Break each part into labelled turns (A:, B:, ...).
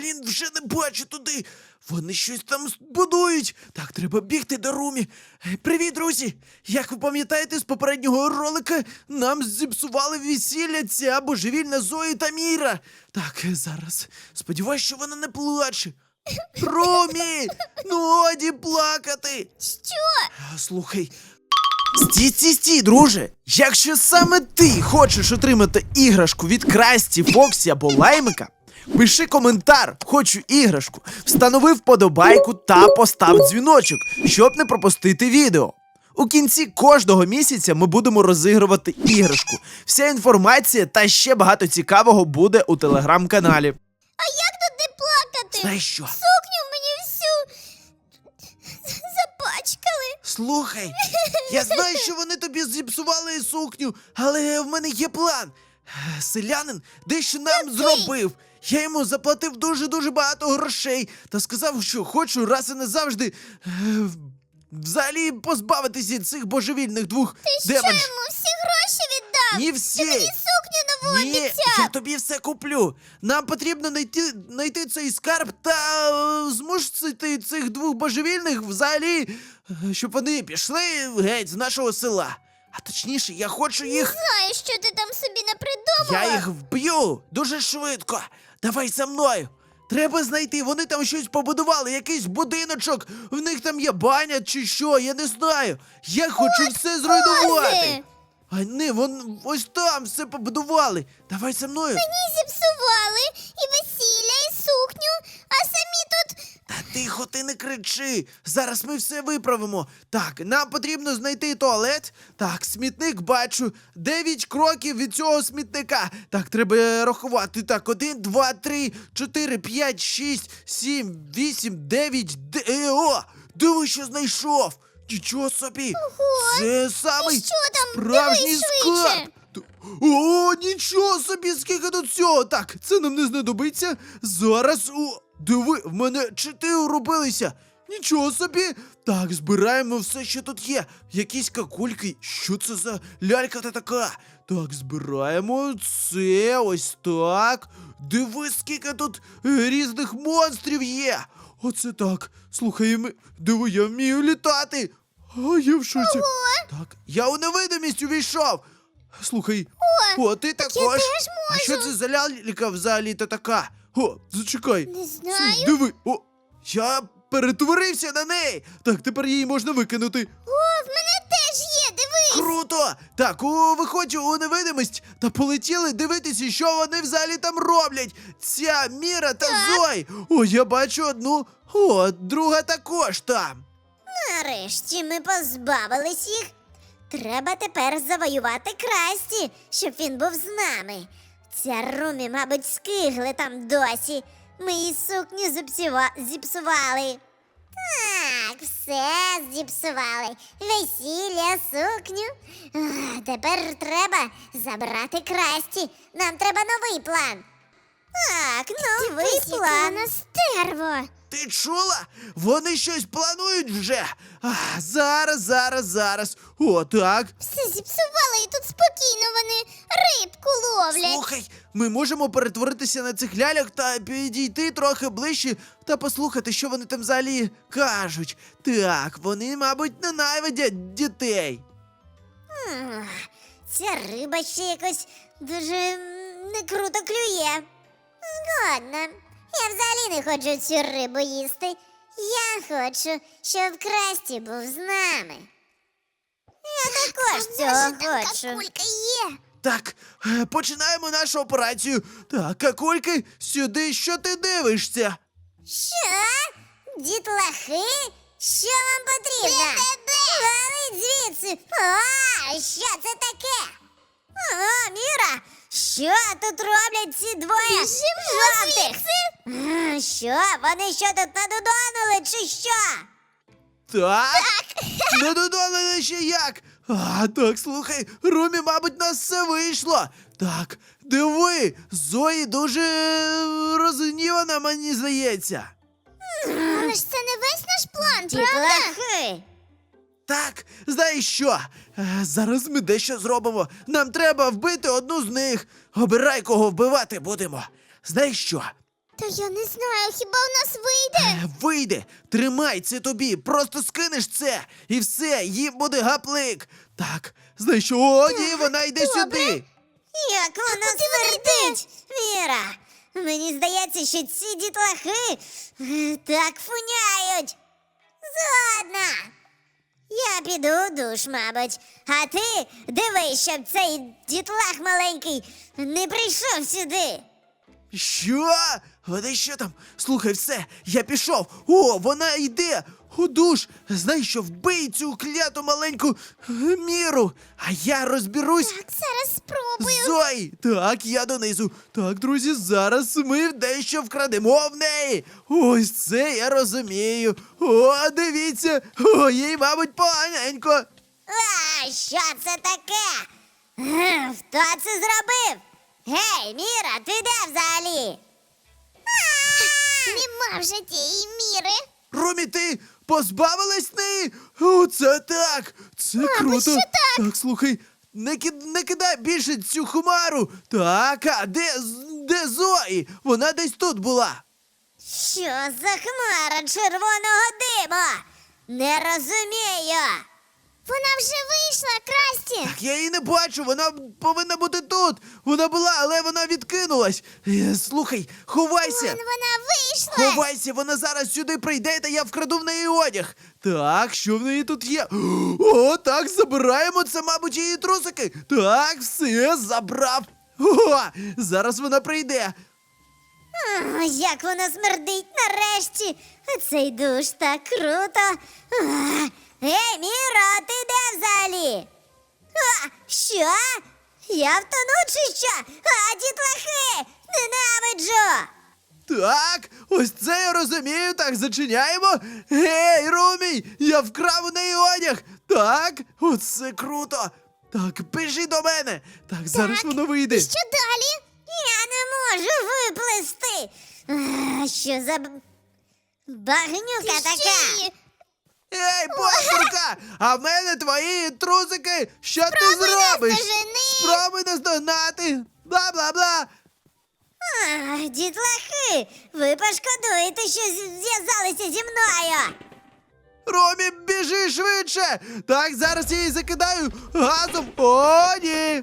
A: Блін, вже не бачу туди. Вони щось там будують. Так, треба бігти до Румі. Привіт, друзі! Як ви пам'ятаєте, з попереднього ролика нам зіпсували весілля ця божевільна Зої та Міра. Так, зараз. Сподіваюсь, що вона не плаче. Румі! Ну годі плакати!
B: Що?
A: Слухай. Стій, друже! Якщо саме ти хочеш отримати іграшку від Красті, Фоксі або Лаймика, пиши коментар «Хочу іграшку», встанови вподобайку та постав дзвіночок, щоб не пропустити відео. У кінці кожного місяця ми будемо розігрувати іграшку. Вся інформація та ще багато цікавого буде у телеграм-каналі.
B: А як тут не плакати?
A: Знаєш що?
B: Сукню мені всю запачкали.
A: Слухай, я знаю, що вони тобі зіпсували сукню, але в мене є план. Селянин дещо нам зробив. Я йому заплатив дуже-дуже багато грошей та сказав, що хочу раз і назавжди взагалі позбавитися цих божевільних двох
B: Що
A: демонів.
B: йому всі гроші віддав?
A: Ні всі.
B: Ти мені сукню нову
A: Ні,
B: обіцяв.
A: я тобі все куплю. Нам потрібно знайти цей скарб та змусити цих двох божевільних взагалі, щоб вони пішли геть з нашого села. А точніше, я хочу їх...
B: Знаю, що ти там собі напридумала.
A: Я їх вб'ю дуже швидко. Давай за мною. Треба знайти, вони там щось побудували, якийсь будиночок, в них там є баня чи що, я не знаю. Я хочу все зруйнувати.
B: Кози!
A: А не, вон ось там все побудували. Давай за мною.
B: Мені зіпсували і весілля, і сукню, а самі тут...
A: Та тихо, ти не кричи. Зараз ми все виправимо. Так, нам потрібно знайти туалет. Так, смітник бачу. 9 кроків від цього смітника. Так, треба рахувати. Так, 1, 2, 3, 4, 5, 6, 7, 8, 9, О! Диви, що знайшов! Нічого собі!
B: Ого!
A: Це самий
B: І що там?
A: справжній
B: Дивись
A: скарб!
B: швидше!
A: О, нічого собі, скільки тут всього! Так, це нам не знадобиться. Зараз, диви, в мене 4 уробилися. Нічого собі. Так, збираємо все, що тут є. Якісь какульки. Що це за лялька та така? Так, збираємо це, ось так. Диви, скільки тут різних монстрів є. Оце так. Слухай, диви, я вмію літати. А я в шоці. Так, я у невидимість увійшов. Слухай, ти також.
B: я теж
A: А що це за лялька взагалі-то така? О, зачекай.
B: Не знаю.
A: Диви, я перетворився на неї. Так, тепер її можна викинути.
B: О, в мене теж є, дивись!
A: Круто! Так, виходь у невидимість та полетіли дивитися, що вони взагалі там роблять. Ця Міра та Зой. О, я бачу одну. О, друга також там.
B: Нарешті ми позбавились їх. Треба тепер завоювати Красті, щоб він був з нами. Ця Румі, мабуть, скигли там досі. Ми її сукню зіпсували. Так, все зіпсували. Весілля, сукню. Тепер треба забрати Красті. Нам треба новий план. Так, новий план. Стерво.
A: Ти чула? Вони щось планують вже. Зараз. О, так.
B: Все зіпсували і тут спокійно вони рибку ловлять.
A: Слухай, ми можемо перетворитися на цих ляльок та підійти трохи ближче та послухати, що вони там взагалі кажуть. Так, вони, мабуть, ненавидять дітей.
B: Ця риба ще якось дуже не круто клює. Згодна. Я взагалі не хочу цю рибу їсти. Я хочу, щоб Красті був з нами. Я також цього хочу. Кулька є.
A: Так, починаємо нашу операцію. Так, какульки, сюди, що ти дивишся?
B: Що? Дітлахи? Що вам потрібно? Валить звідси. Що це таке? Міра, що тут роблять ці двоє жовтих? Що? Вони що тут надудонили чи що?
A: Так? Не додали ще як? Так, слухай, Румі, мабуть, нас все вийшло. Так, диви, Зої дуже розгнівана, мені здається.
B: Але ж це не весь наш план, правда?
A: Так, знаєш що? Зараз ми дещо зробимо. Нам треба вбити одну з них. Обирай, кого вбивати будемо. Знаєш що?
B: Та я не знаю, хіба в нас вийде?
A: Вийде! Тримай це тобі! Просто скинеш це! І все, їм буде гаплик! Так, знаєш що? О, ні, вона йде сюди!
B: Як вона смердить! Міра, мені здається, що ці дітлахи так фуняють. Згодна. Я піду у душ, мабуть. А ти дивись, щоб цей дітлах маленький не прийшов сюди.
A: Що? Вони що там? Слухай, все, я пішов. О, вона йде у душ. Знаєш що, вбий цю кляту маленьку Міру. А я розберусь.
B: Так, зараз спробую.
A: Зої! Так, я донизу. Так, друзі, зараз ми дещо вкрадемо в неї. Ось це я розумію. О, дивіться. О, їй, мабуть, поганенько.
B: А, що це таке? Хто це зробив? Гей, Міра, ти де взагалі? Нема вже тієї Міри.
A: Ромі, ти позбавилась неї? О, це так! Це круто!
B: що так?
A: Так, слухай, не кидай більше цю хмару! Так, а де Зої? Вона десь тут була.
B: Що за хмара червоного дима? Не розумію. Вона вже вийшла, Красті.
A: Так, я її не бачу, вона повинна бути тут. Вона була, але вона відкинулась. Слухай, ховайся!
B: Вона вийшла.
A: Ховайся, вона зараз сюди прийде, та я вкраду в неї одяг. Так, що в неї тут є? О, так, забираємо, це, мабуть, її трусики. Так, все, забрав. О, зараз вона прийде.
B: Як вона смердить нарешті. Цей душ так круто. Ей, Міро, ти де взагалі? Що? Я втону чи що? Дітлахи! Ненавиджу!
A: Так, ось це я розумію. Так, зачиняємо. Гей, Румій, я вкрав у неї одяг. Так, оце круто. Так, біжи до мене. Так, зараз воно вийде.
B: Що далі? Я не можу виплисти. Що за багнюка така?
A: Ей, бомбурка! А в мене твої трусики! Що ти зробиш?
B: наздожени!
A: Спробуй наздогнати! Бла-бла-бла!
B: Дітлахи, ви пошкодуєте, що зв'язалися зі мною.
A: Ромі, біжи швидше! Так, зараз я її закидаю газом! О, ні!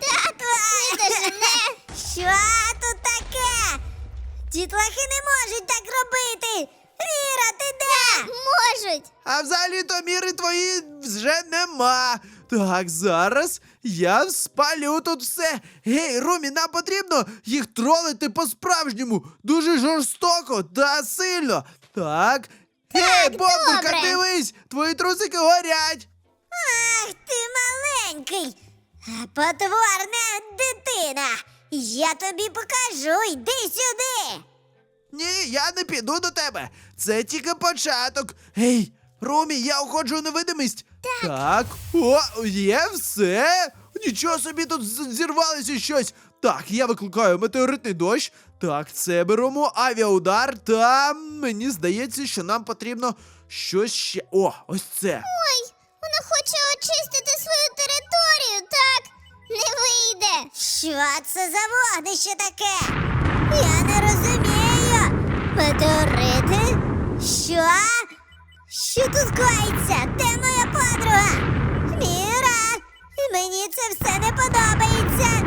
B: Що тут таке? Дітлахи не можуть так робити. Міра, ти де? Можуть.
A: А взагалі-то міри твої вже нема. Так, зараз я спалю тут все. Гей, Румі, нам потрібно їх тролити по-справжньому. Дуже жорстоко та сильно. Так. Гей, бомбурка,
B: добре.
A: дивись! Твої трусики горять.
B: Ах, ти маленький. Потворна дитина. Я тобі покажу, йди сюди.
A: Ні, я не піду до тебе. Це тільки початок. Гей, Румі, я уходжу у невидимість. Так. О, є все. Нічого собі тут зірвалося щось. Так, я викликаю метеоритний дощ. Так, це беремо авіаудар. Та мені здається, що нам потрібно щось ще. О, ось це.
B: Ой, вона хоче очистити свою територію, так? Не вийде. Що це за вогнище таке? Я не розумію. Метеорити? Що? Що тут коїться? Де моя подруга? Міра, мені це все не подобається.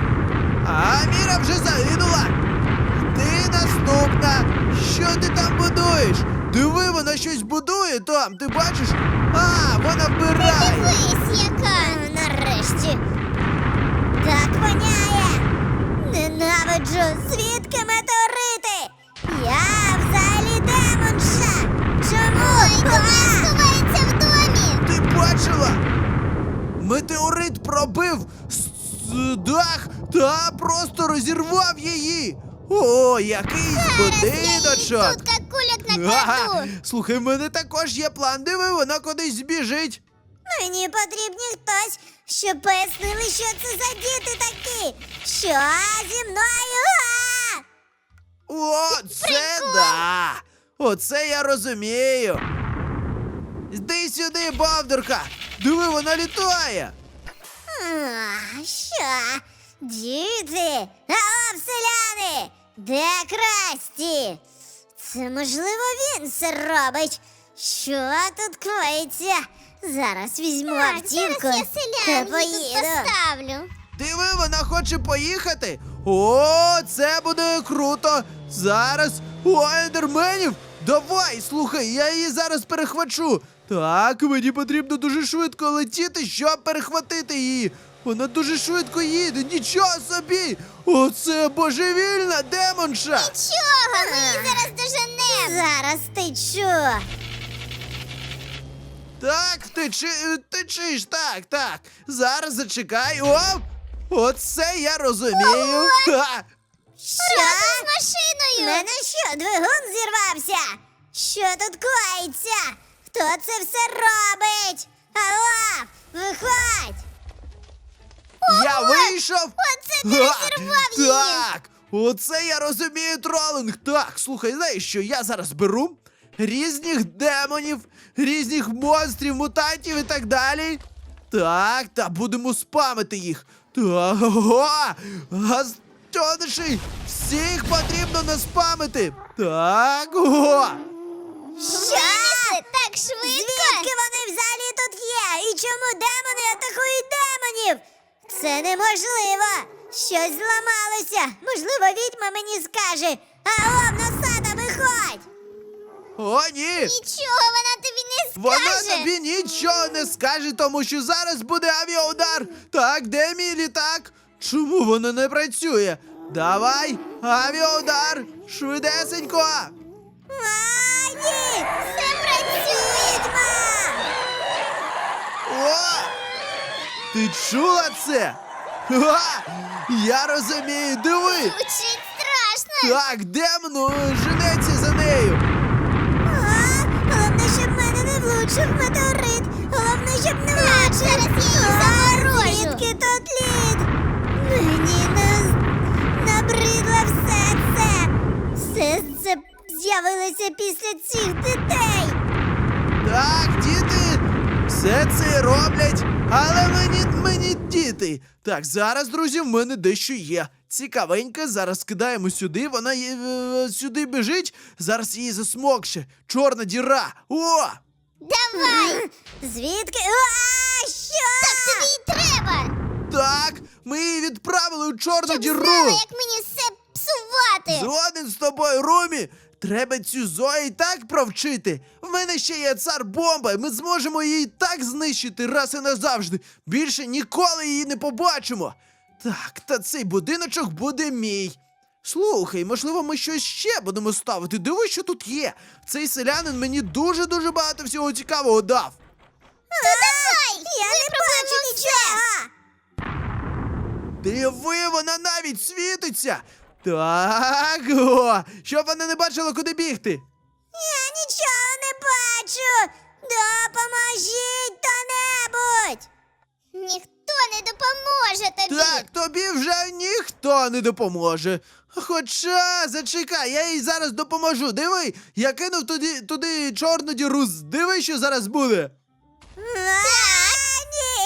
A: А Міра вже загинула. Ти наступна. Що ти там будуєш? Диви, вона щось будує там, ти бачиш? А, вона вбирає.
B: Дивись, яка. Нарешті. Так воняє. Ненавиджу. Звідки метеорити? Я взагалі демонша. Чому? Ой, вона сховається в домі.
A: Ти бачила? Метеорит пробив дах та просто розірвав її. О, якийсь будиночок.
B: Тут як куляк
A: Ага. Слухай, в мене також є план. Диви, вона кудись збіжить.
B: Мені потрібні хтось, щоб пояснили, що це за діти такі. Що зі мною?
A: О, це да! Оце я розумію. Йди сюди, бавдурка! Диви, вона літає!
B: Що? Діти? Алло, селяни! Де Красті? Це, можливо, він це робить. Що тут коїться? Зараз візьму автівку
C: зараз я
B: та
C: селянки тут
B: поїду.
C: поставлю.
A: Диви, вона хоче поїхати. О, це буде круто. Зараз у ендерменів. Давай, слухай, я її зараз перехвачу. Так, мені потрібно дуже швидко летіти, щоб перехватити її. Вона дуже швидко їде, нічого собі! Оце божевільна демонша!
C: Чого? Ми її зараз доженемо.
B: Зараз течу.
A: Так, течиш, так. Зараз зачекай. О! Оце я розумію. Ха!
B: Що?
C: З
B: У
C: машиною.
B: мене що, двигун зірвався? Що тут коїться? Хто це все робить? Алло, виходь!
A: Я вийшов!
C: Оце ти
A: Ха!
C: розірвав її.
A: Так! Оце я розумію тролинг. Так, слухай, знаєш що, я зараз беру різних демонів, різних монстрів, мутантів і так далі. Так, та будемо спамити їх. Так, ого! Гастониші! Всіх потрібно наспамити! Так, ого!
B: Що?
C: Так швидко.
B: Звідки вони взагалі тут є? І чому демони атакують демонів? Це неможливо! Щось зламалося! Можливо, відьма мені скаже! Алло, носата, виходь!
A: О, ні!
C: Нічого вона тобі не скаже.
A: Вона тобі нічого не скаже, тому що зараз буде авіаудар. Так, де мій літак? Чому воно не працює? Давай, авіаудар! Швидесенько!
B: А, ні!
C: Все працює.
B: Відьма!
A: О! Ти чула це? Ха! Я розумію, диви!
C: Звучить страшно.
A: Так, демон женеться за нею!
B: А, головне, щоб мене не влучив метеорит! Головне, щоб не влучив!
C: зараз я її заморожу.
B: Звідки тут лід? Мені набридло все це! Все це з'явилося після цих дітей!
A: Так, діти, все це роблять, але мені діти. Так, зараз, друзі, в мене дещо є. Цікавеньке, зараз кидаємо сюди, вона сюди біжить, зараз її засмокше. Чорна діра. О!
C: Давай.
B: Звідки? А, що?
C: Так тобі й треба.
A: Так, ми її відправили у чорну діру.
C: Знала, як мені все псувати.
A: Згоден з тобою, Румі. Треба цю Зої так провчити. В мене ще є цар бомба, і ми зможемо її так знищити раз і назавжди. Більше ніколи її не побачимо. Так, та цей будиночок буде мій. Слухай, можливо, ми щось ще будемо ставити. Диви, що тут є. Цей селянин мені дуже-дуже багато всього цікавого дав.
C: Давай.
B: Я не бачу нічого!
A: Диви, вона навіть світиться. Так, о, щоб вона не бачила, куди бігти.
B: Я нічого не бачу! Допоможіть хто-небудь!
C: Ніхто не допоможе тобі.
A: Так, тобі вже ніхто не допоможе. Хоча, зачекай, я їй зараз допоможу. Диви, я кинув туди чорну діру. Диви, що зараз буде.
B: Ні!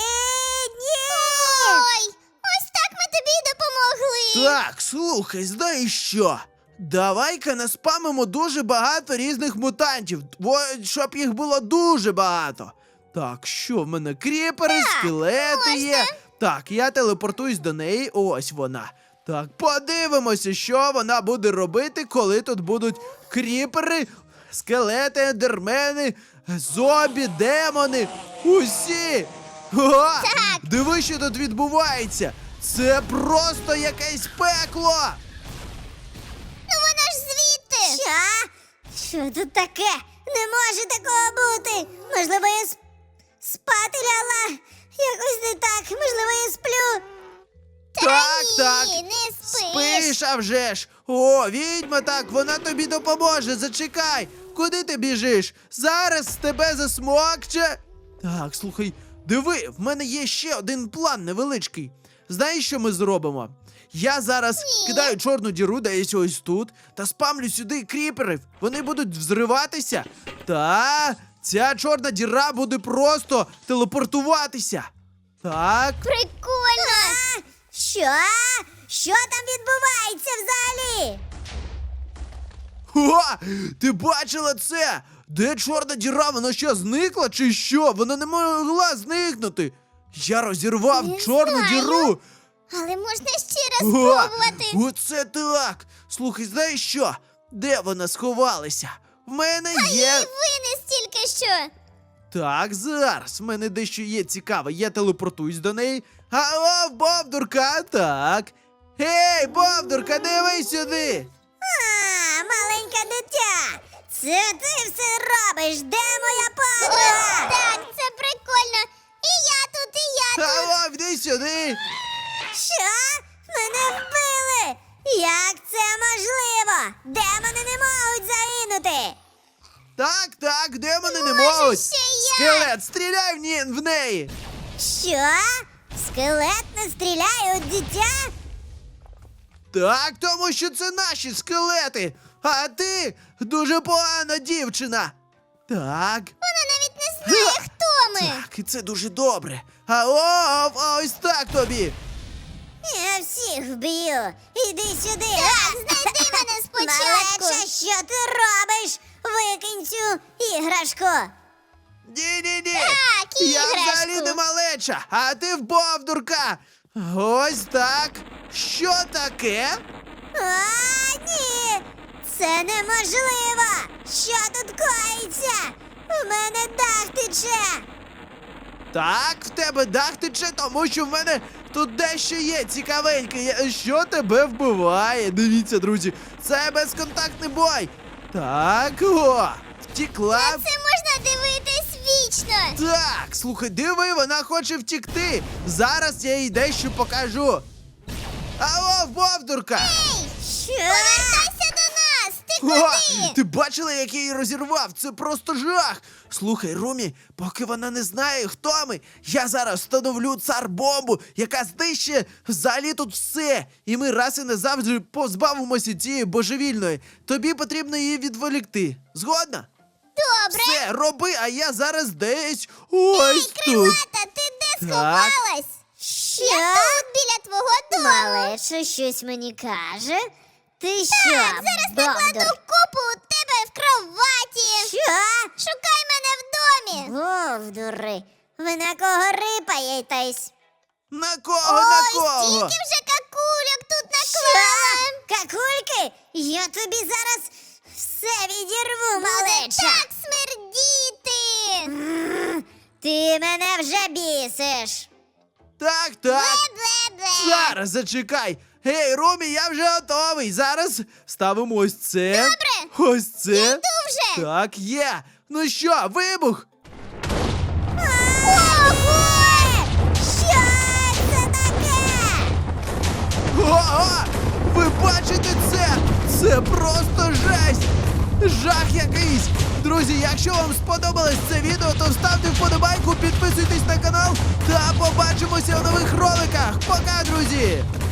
C: Ой, ось так ми тобі й допомогли.
A: Так, слухай, знаєш що? Давай-ка наспамимо дуже багато різних мутантів, щоб їх було дуже багато. Так, що в мене? Кріпери, скелети є. Так, я телепортуюсь до неї, ось вона. Так, подивимося, що вона буде робити, коли тут будуть кріпери, скелети, ендермени, зомбі, демони. Усі! О, диви, що тут відбувається! Це просто якесь пекло!
C: Ну вона ж звідти.
B: Що? Що тут таке? Не може такого бути! Можливо, я спати ляла? Якось не так, можливо, я сплю.
A: Так,
C: Ні, не спиш.
A: Спиш, а вже ж! О, відьма, так, вона тобі допоможе, зачекай! Куди ти біжиш? Зараз тебе засмокче! Так, слухай, диви, в мене є ще один план невеличкий. Знаєш, що ми зробимо? Я зараз кидаю чорну діру десь ось тут та спамлю сюди кріперів. Вони будуть взриватися. Та ця чорна діра буде просто телепортуватися. Так.
C: Прикольно.
B: Що? Що там відбувається взагалі?
A: О, ти бачила це? Де чорна діра? Вона що, зникла чи що? Вона не могла зникнути. Я розірвав
C: Не
A: чорну
C: знаю.
A: діру.
C: Але можна ще раз
A: О,
C: спробувати.
A: оце так. Слухай, знаєш що? Де вона сховалася? В мене є.
C: І винес тільки що.
A: Так, зараз. В мене дещо є цікаве. Я телепортуюсь до неї. Алло, Бовдурка, так. Гей, Бовдурка, дивись сюди.
B: А, маленьке дитя! Це ти все робиш! Де моя подруга?
C: Так, це прикольно. І я тут, і я тут.
A: Алло, йди сюди.
B: Що? Мене вбили! Як це можливо? Демони не можуть загинути!
A: Так, демони не
C: Може,
A: можуть.
C: ще я?
A: Скелет, стріляй в неї.
B: Що? Скелет не стріляє у дитя?
A: Так, тому що це наші скелети. А ти дуже погана дівчина. Так.
C: Вона навіть не знає, хто ми.
A: Так, і це дуже добре. А ось так тобі.
B: Я всіх вб'ю. Іди сюди.
C: Так, знайди мене спочатку.
B: Малеча, що ти робиш? Викинь цю іграшку.
A: Ні.
C: Так,
A: Я
C: іграшку.
A: взагалі не малеча, а ти Бовдурка. Ось так. Що таке?
B: А, ні! Це неможливо! Що тут коїться? У мене дах тече!
A: Так, в тебе дах тече, тому що в мене тут дещо є цікавеньке. Що тебе вбиває? Дивіться, друзі, це безконтактний бой. Так, втікла.
C: Це можна дивитись вічно.
A: Так, слухай, диви, вона хоче втікти. Зараз я їй дещо покажу. Алло, Бовдурка!
C: Ей,
B: Що?
C: повертайся до нас. Ти
A: О,
C: куди?
A: ти бачила, як я її розірвав? Це просто жах. Слухай, Румі, поки вона не знає, хто ми, я зараз встановлю цар-бомбу, яка знищить взагалі тут все. І ми раз і назавжди позбавимося цієї божевільної. Тобі потрібно її відволікти. Згодна?
C: Добре.
A: Все, роби, а я зараз десь ось тут.
C: Крилата, ти де
A: Так.
C: сховалась?
B: Що?
C: Я тут біля твого дому.
B: Малеча щось мені каже. Ти що,
C: Так, зараз накладу
B: Бовдур?
C: купу у тебе в кроваті.
B: Що?
C: Шукай мене в домі.
B: Бовдури, ви на кого рипаєтесь?
A: На кого,
C: Ой,
A: на кого?
C: стільки вже какульок тут
B: Що?
C: наклала.
B: Какульки? Я тобі зараз все відірву,
C: Буде
B: малеча.
C: так смердіти.
B: Ти мене вже бісиш.
A: Так.
C: Бе-бе-бе.
A: Зараз зачекай. Гей, Румі, я вже готовий. Зараз ставимо ось це.
C: Добре.
A: Ось це.
C: Йду вже.
A: Так, є. Ну що, вибух?
C: Ого!
B: Що це таке?
A: Ого! Ви бачите це? Це просто жесть! Жах якийсь! Друзі, якщо вам сподобалось це відео, то ставте вподобайку, підписуйтесь на канал та побачимося в нових роликах. Пока, друзі!